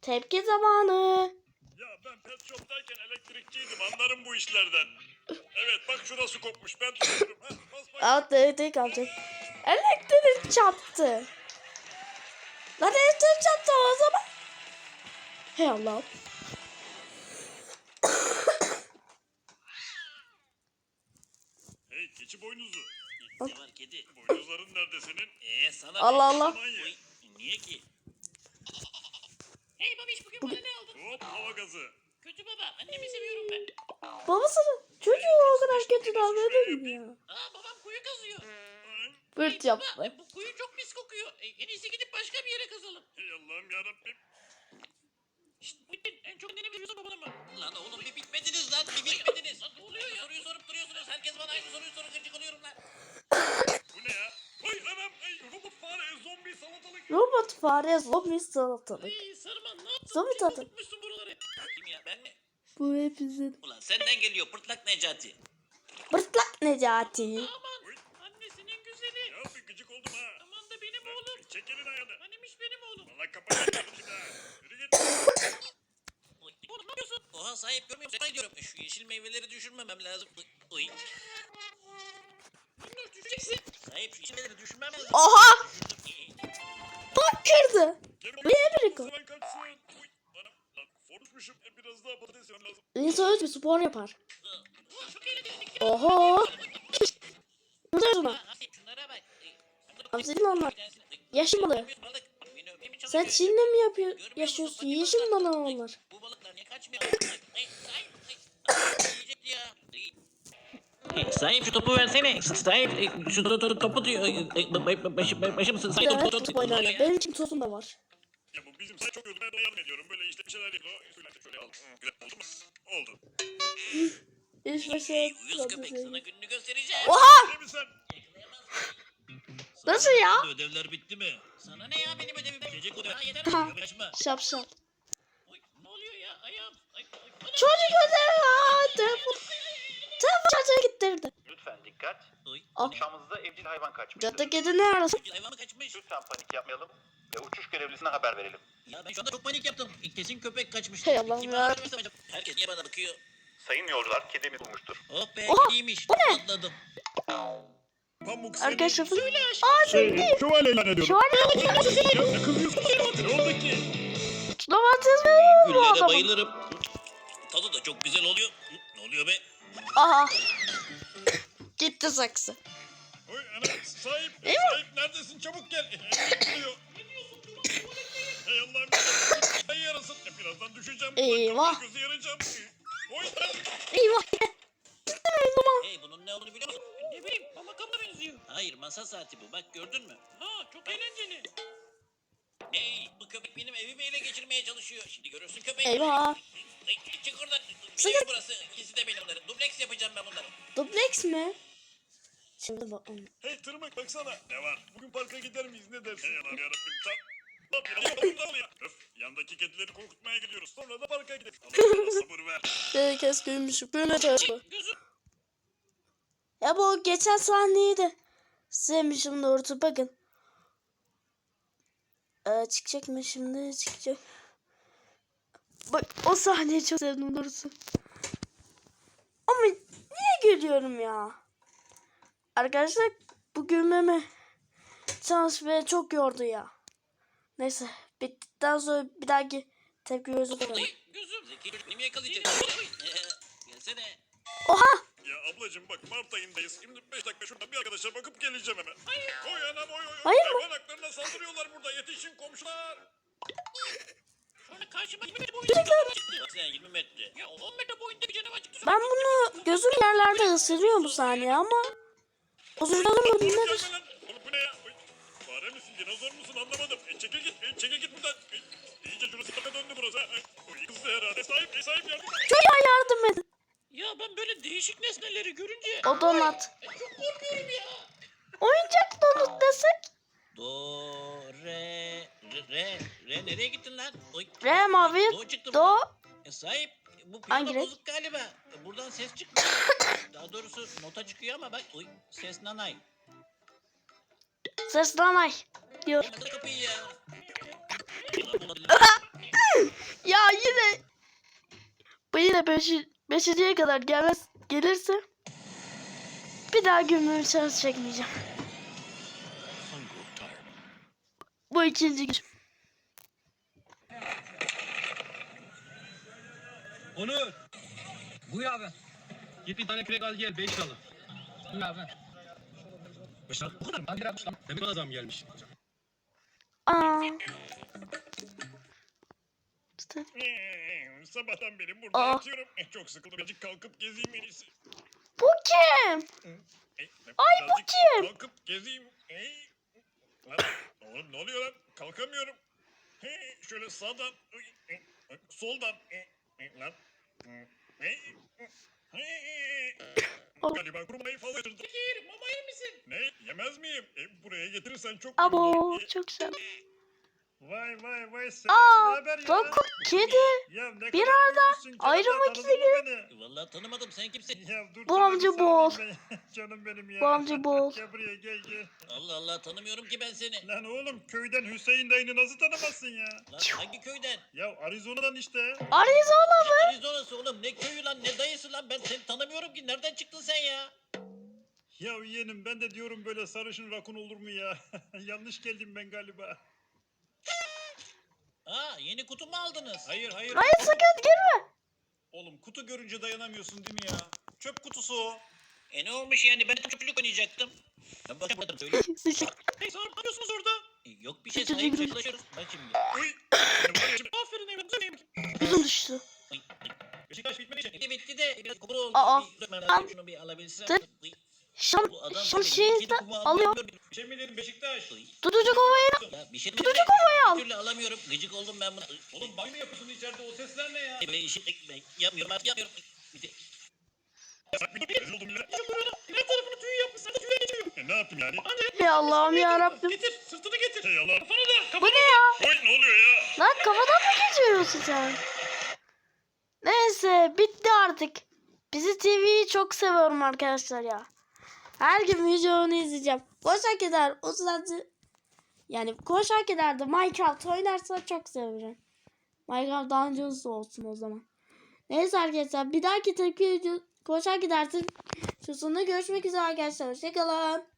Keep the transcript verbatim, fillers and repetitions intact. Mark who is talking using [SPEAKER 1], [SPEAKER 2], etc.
[SPEAKER 1] Tepki zamanı.
[SPEAKER 2] Ya ben pet shop'tayken elektrikçiydim, anlarım bu işlerden. Evet bak şurası kopmuş, ben tutuyorum. Ha, bas bak.
[SPEAKER 1] Alt elektrik alacak. Elektrik çarptı. Lan elektrik çarptı o zaman. Hey Allah'ım.
[SPEAKER 2] Hey keçi boynuzu.
[SPEAKER 3] Ne var kedi?
[SPEAKER 2] Boynuzların nerede senin?
[SPEAKER 3] Ee sana
[SPEAKER 1] Allah
[SPEAKER 3] ne?
[SPEAKER 1] Allah.
[SPEAKER 2] Aman ye.
[SPEAKER 3] Oy, niye ki? Hey babiş bugün bana ne aldın?
[SPEAKER 2] Hop hava gazı.
[SPEAKER 3] Kötü baba annemi seviyorum ben.
[SPEAKER 1] Babasının çocuğu o kadar kötü davranır mı ya?
[SPEAKER 3] Aa babam kuyu kazıyor.
[SPEAKER 2] Ay,
[SPEAKER 1] Bırt
[SPEAKER 3] Hey
[SPEAKER 1] yaptı.
[SPEAKER 3] baba bu kuyu çok pis kokuyor. E, en iyisi gidip başka bir yere kazalım.
[SPEAKER 2] hey Allah'ım yarabbim.
[SPEAKER 3] Şşt Muhittin en çok anneni veriyorsun babana mı? Lan oğlum bir bitmediniz lan bir bitmediniz. Lan ne oluyor ya? Soruyu sorup duruyorsunuz. Herkes bana aynı soruyu sorup gıcık oluyorum lan.
[SPEAKER 2] Bu ne ya? Ay anam, ay robot fare, zombi salatalık.
[SPEAKER 1] Robot fare zombi salatalık.
[SPEAKER 3] Ay Sarman ne yaptın?
[SPEAKER 1] Zombi
[SPEAKER 3] Kim
[SPEAKER 1] tadı.
[SPEAKER 3] tutmuşsun buraları? Kim ya ben mi?
[SPEAKER 1] Bu hepimizin.
[SPEAKER 3] Ulan senden geliyor pırtlak Necati.
[SPEAKER 1] Bırtlak Necati.
[SPEAKER 3] Aman
[SPEAKER 2] Oy.
[SPEAKER 3] annesinin güzeli.
[SPEAKER 2] Ya bir gıcık oldum ha.
[SPEAKER 3] Aman da benim oğlum.
[SPEAKER 2] Çek elini ayağını.
[SPEAKER 3] Annemiş benim oğlum.
[SPEAKER 2] Valla kapatacağım şimdi ha. Yürü git.
[SPEAKER 3] Oy, oğlum ne yapıyorsun? Oha sahip görmüyor musun? Sana diyorum. Şu yeşil meyveleri düşürmemem lazım. Oy. Minnoş düşeceksin. Sahip şu yeşil meyveleri düşürmem lazım.
[SPEAKER 1] Oha!
[SPEAKER 3] Düşürdüm.
[SPEAKER 1] Bak kırdı.
[SPEAKER 2] Gel
[SPEAKER 1] Bu ne bir rekor?
[SPEAKER 2] Sıvan kaçsın. Uy anam. Lan konuşmuşum. E, biraz daha patates yemem lazım.
[SPEAKER 1] İnsan öz bir spor yapar.
[SPEAKER 3] Ulan çok eğlenceli.
[SPEAKER 1] Oho! Ne diyorsun lan?
[SPEAKER 3] Ha, Hamsi, şunlara bak. Ey,
[SPEAKER 1] Hamsi'nin onlar.
[SPEAKER 3] bir tanesini- Ey,
[SPEAKER 1] Yeşil balığı.
[SPEAKER 3] balık. Beni öpmeye mi
[SPEAKER 1] Sen
[SPEAKER 3] çalışıyor?
[SPEAKER 1] Çin'de mi yapıyor,
[SPEAKER 3] Görmüyor musun?
[SPEAKER 1] yaşıyorsun?
[SPEAKER 3] Fakir
[SPEAKER 1] Yeşil
[SPEAKER 3] balıklar.
[SPEAKER 1] balığı
[SPEAKER 3] Ey,
[SPEAKER 1] onlar.
[SPEAKER 3] Bu balıklar niye kaçmıyor? Ay, ay, ay, ay. Yiyecekti ya. Ey. Sahip şu topu versene. Sahip e, şu to- to- topu diyor. E, e, Başım başım sahip
[SPEAKER 1] Bir de
[SPEAKER 3] topu
[SPEAKER 1] hep
[SPEAKER 3] topu.
[SPEAKER 1] top oynarlar. Benim için tosum da var.
[SPEAKER 2] Ya bu bizim say çok yordu. Ben de yardım ediyorum. Böyle işte bir şeyler yapıyor. Suyla şöyle al. Güzel oldu mu? Oldu.
[SPEAKER 1] Hiç
[SPEAKER 3] Ey,
[SPEAKER 1] mesela
[SPEAKER 3] uyuz köpek sana gününü göstereceğim.
[SPEAKER 1] Oha!
[SPEAKER 2] Ne mi sen?
[SPEAKER 1] Nasıl ya?
[SPEAKER 3] Ödevler bitti mi? Sana ne ya benim ödevim? Gelecek ödev. Ha yeter.
[SPEAKER 1] Ha.
[SPEAKER 3] Kaçma.
[SPEAKER 1] Şapşal.
[SPEAKER 3] Oy, ne oluyor ya? Ayağım. Ay, ay, ay.
[SPEAKER 1] Çocuk ödevi ya. Telefon. Telefon şarjı gittirdi.
[SPEAKER 4] Lütfen dikkat.
[SPEAKER 3] Oy.
[SPEAKER 1] Al.
[SPEAKER 4] Uçağımızda evcil hayvan kaçmıştır.
[SPEAKER 1] Cadı kedi ne arasın?
[SPEAKER 3] Evcil hayvan mı kaçmış?
[SPEAKER 4] Lütfen panik yapmayalım ve uçuş görevlisine haber verelim.
[SPEAKER 3] Ya ben şu anda çok panik yaptım. İlk kesin köpek kaçmış.
[SPEAKER 1] Hey Allah'ım
[SPEAKER 3] Kim
[SPEAKER 1] ya.
[SPEAKER 3] haber versem acaba? Herkes niye bana bakıyor?
[SPEAKER 4] Sayın yolcular, kedimiz bulmuştur.
[SPEAKER 3] Oh be
[SPEAKER 1] Oha,
[SPEAKER 3] kediymiş.
[SPEAKER 1] bu ne?
[SPEAKER 3] Atladım.
[SPEAKER 2] Pamuk seni.
[SPEAKER 1] Arkadaşlar.
[SPEAKER 3] Söyle aşkım.
[SPEAKER 1] Aa
[SPEAKER 2] Şey,
[SPEAKER 1] sevdi.
[SPEAKER 2] şövalyeyle ediyorum.
[SPEAKER 1] Şu an
[SPEAKER 2] Ya ne kızıyorsun? Ne oldu ki?
[SPEAKER 1] domates veriyor bu
[SPEAKER 3] Güllere
[SPEAKER 1] adamın.
[SPEAKER 3] bayılırım. Tadı da çok güzel oluyor. Ne oluyor be?
[SPEAKER 1] Aha. Gitti saksı.
[SPEAKER 2] Oy ana sahip.
[SPEAKER 1] Eyvah.
[SPEAKER 2] Sahip neredesin? Çabuk gel. Geliyor. Hey Allah'ım. Ay yarasın. E, birazdan düşeceğim.
[SPEAKER 1] Eyvah.
[SPEAKER 2] Gözü yarayacağım. Oy.
[SPEAKER 1] Eyvah. Eyvah.
[SPEAKER 3] Hey bunun ne olduğunu biliyor musun? Ne bileyim ama kamera benziyor. Hayır masa saati bu bak gördün mü? Ha çok eğlenceli. Hey bu köpek benim evimi ele geçirmeye çalışıyor. Şimdi görürsün köpek.
[SPEAKER 1] Eyvah.
[SPEAKER 3] Hey, çık oradan.
[SPEAKER 1] Sıkı-
[SPEAKER 3] Benim burası. İkisi de benim onların. Dubleks yapacağım ben bunları.
[SPEAKER 1] Duplex mi? Şimdi bakalım.
[SPEAKER 2] Hey tırmık baksana. Ne var? Bugün parka gider miyiz? Ne dersin? Hey Allah'ım yarabbim. Tam. Bak ya. ya. Öf. Yandaki kedileri korkutmaya gidiyoruz. Sonra da parka gideriz. Allah sana sabır ver.
[SPEAKER 1] Herkes gülmüş. Böyle çalışma.
[SPEAKER 3] Gözüm.
[SPEAKER 1] Ya bu geçen sahneyi de sevmişim doğrusu bakın. Ee, çıkacak mı şimdi? Çıkacak. Bak o sahneyi çok sevdim doğrusu. Ama niye gülüyorum ya? Arkadaşlar bu gülmeme çalış beni çok yordu ya. Neyse bittikten sonra bir dahaki tepki özür dilerim.
[SPEAKER 3] Hey, gözüm. Zeki çocuk nemi yakalayacak? Oy, ee, Gelsene.
[SPEAKER 1] Oha!
[SPEAKER 2] Ya ablacığım bak Mart ayındayız. Şimdi beş dakika şurada bir arkadaşa bakıp geleceğim hemen.
[SPEAKER 3] Hayır.
[SPEAKER 2] Oy anam oy oy oy.
[SPEAKER 1] Hayır mı?
[SPEAKER 2] Hayvan haklarına saldırıyorlar burada. Yetişin komşular.
[SPEAKER 3] Sonra karşıma yirmi metre boyunda bir canavar çıktı. Bak sen yirmi metre. Ya on metre boyunda bir canavar çıktı.
[SPEAKER 1] Ben bunu gözüm yerlerde ısırıyor bu saniye ama özür dilerim
[SPEAKER 2] Oğlum
[SPEAKER 1] nedir?
[SPEAKER 2] gelme lan. Oğlum bu ne ya? Oy. Fare misin dinozor musun anlamadım. E, çekil git. E, çekil git buradan. E, iyice şurası tepe döndü burası. Ha. Ay, oy, kızdı herhalde. Sahip e, sahip yardım et.
[SPEAKER 1] Çocuğa yardım edin.
[SPEAKER 3] Ya ben böyle değişik nesneleri görünce
[SPEAKER 1] O donat.
[SPEAKER 3] e, çok korkuyorum ya.
[SPEAKER 1] Oyuncak donut desek.
[SPEAKER 3] Do, re, re, re, re nereye gittin lan? Oy.
[SPEAKER 1] Re mavi.
[SPEAKER 3] Do çıktı.
[SPEAKER 1] Do.
[SPEAKER 3] E, sahip bu
[SPEAKER 1] Hangi
[SPEAKER 3] piyano
[SPEAKER 1] renk?
[SPEAKER 3] bozuk galiba. E, buradan ses çıkmıyor. Daha doğrusu nota çıkıyor ama bak oy, ses nanay.
[SPEAKER 1] Ses danay. Diyor.
[SPEAKER 3] Kapatın kapıyı ya.
[SPEAKER 1] yine beşi, beşinciye kadar gelmez, gelirse bir daha gümrüğün şarj çekmeyeceğim. Bu ikinci gün.
[SPEAKER 5] Onur. Buyur abi. Git bir tane kürek al gel beş liralık. Buyur abi. beş liralık bu kadar mı? Ben bir yapmış lan. Demek bana zam gelmiş.
[SPEAKER 1] Aa.
[SPEAKER 2] Ee, Sabahtan beri burada
[SPEAKER 1] Aa.
[SPEAKER 2] yatıyorum. Eh, Çok sıkıldım. Birazcık kalkıp gezeyim en iyisi.
[SPEAKER 1] Bu kim?
[SPEAKER 2] Eh,
[SPEAKER 1] Ay, bu
[SPEAKER 2] birazcık
[SPEAKER 1] kim?
[SPEAKER 2] Kalkıp gezeyim. Ey. Lan, oğlum ne oluyor lan? Kalkamıyorum. Hey, şöyle sağdan, uy, eh, eh, soldan. eh, eh, Lan. Hmm, hey, hey.
[SPEAKER 1] Oh.
[SPEAKER 2] Galiba kurumayı fazla yatırdım. Fikir, mama yer misin? Ne? Yemez miyim? E, buraya getirirsen çok iyi
[SPEAKER 1] Abo
[SPEAKER 2] olur. E,
[SPEAKER 1] çok güzel.
[SPEAKER 2] Vay vay vay sen
[SPEAKER 1] Aa,
[SPEAKER 2] ne haber ya?
[SPEAKER 1] bak kedi.
[SPEAKER 2] Ya ne
[SPEAKER 1] Bir
[SPEAKER 2] kadar
[SPEAKER 1] arada
[SPEAKER 2] büyümüşsün, canım,
[SPEAKER 1] ayrılmak
[SPEAKER 2] tanıdın
[SPEAKER 1] istiyor.
[SPEAKER 2] mı beni?
[SPEAKER 3] Vallahi tanımadım, sen kimsin?
[SPEAKER 2] Ya dur
[SPEAKER 1] Bu
[SPEAKER 2] sana
[SPEAKER 1] amca
[SPEAKER 2] bir sarılayım
[SPEAKER 1] Boğaz.
[SPEAKER 2] ben. Canım benim ya.
[SPEAKER 1] Bu amca Boğaz.
[SPEAKER 2] Gel buraya gel gel.
[SPEAKER 3] Allah Allah, tanımıyorum ki ben seni.
[SPEAKER 2] Lan oğlum köyden Hüseyin dayını nasıl tanımazsın ya?
[SPEAKER 3] Lan hangi köyden?
[SPEAKER 2] Ya Arizona'dan işte.
[SPEAKER 1] Arizona mı?
[SPEAKER 3] Arizona'sı oğlum, ne köyü lan, ne dayısı lan, ben seni tanımıyorum ki, nereden çıktın sen ya?
[SPEAKER 2] Ya yeğenim ben de diyorum böyle sarışın rakun olur mu ya? Yanlış geldim ben galiba.
[SPEAKER 3] Ha, yeni kutu mu aldınız?
[SPEAKER 2] Hayır hayır.
[SPEAKER 1] Hayır sakın girme.
[SPEAKER 2] Oğlum kutu görünce dayanamıyorsun değil mi ya? Çöp kutusu o.
[SPEAKER 3] E ne olmuş yani, ben de çöpçülük oynayacaktım. Ben bakamadım, söyle.
[SPEAKER 1] Sıçık.
[SPEAKER 2] Hey Sarp ne yapıyorsunuz orada?
[SPEAKER 3] E, Yok bir şey,
[SPEAKER 1] Çocuk
[SPEAKER 3] sahip
[SPEAKER 1] gibi.
[SPEAKER 3] çalışıyoruz. Bak şimdi.
[SPEAKER 2] Uy. Ne var ya şimdi? Aferin evladım. Güzel yemek.
[SPEAKER 1] Yüzüm düştü.
[SPEAKER 3] Uy, uy.
[SPEAKER 2] Beşiktaş bitmedi için.
[SPEAKER 3] Bitti bitti de biraz kokulu oldu.
[SPEAKER 1] Aa,
[SPEAKER 3] Bir dökmem
[SPEAKER 1] al.
[SPEAKER 3] lazım, şunu bir alabilsem.
[SPEAKER 1] Dur.
[SPEAKER 3] Uy,
[SPEAKER 1] Şam,
[SPEAKER 3] bu adam
[SPEAKER 1] şam
[SPEAKER 3] böyle
[SPEAKER 1] şeyi
[SPEAKER 3] kedi
[SPEAKER 1] de
[SPEAKER 3] kumu
[SPEAKER 1] alıyor.
[SPEAKER 3] almıyor.
[SPEAKER 2] Bir şey mi dedim Beşiktaş?
[SPEAKER 3] Uy.
[SPEAKER 1] Tutucu kovayı.
[SPEAKER 3] Ya bir şey
[SPEAKER 1] Tutucu
[SPEAKER 3] dedim de,
[SPEAKER 1] kovayı al.
[SPEAKER 3] Bir türlü alamıyorum. Gıcık oldum ben buna. Uy,
[SPEAKER 2] Oğlum banyo yapıyorsun içeride o sesler ne ya?
[SPEAKER 3] Ben işi ben yapmıyorum artık, yapmıyorum. Bir de-
[SPEAKER 2] Sak bir dur. Rezil oldum ya. Ya buranın her tarafını tüy yapmış. Sen de tüye geçiyor. E ne yaptım yani? Hadi.
[SPEAKER 1] Ya Allah'ım ya Rabbim.
[SPEAKER 2] Getir sırtını getir. Hey Allah. Kafanı da.
[SPEAKER 1] Bu ne ya?
[SPEAKER 2] Oy ne oluyor ya?
[SPEAKER 1] Lan kafadan mı geçiriyorsun sen? Neyse bitti artık. Bizi T V'yi çok seviyorum arkadaşlar ya. Her gün videonu izleyeceğim. Koşak eder o sırada yani koşak eder de Minecraft oynarsa çok severim. Minecraft daha önce olsun o zaman. Neyse arkadaşlar bir dahaki tepki video koşak gidersin. Şu sonunda görüşmek üzere arkadaşlar. Hoşçakalın.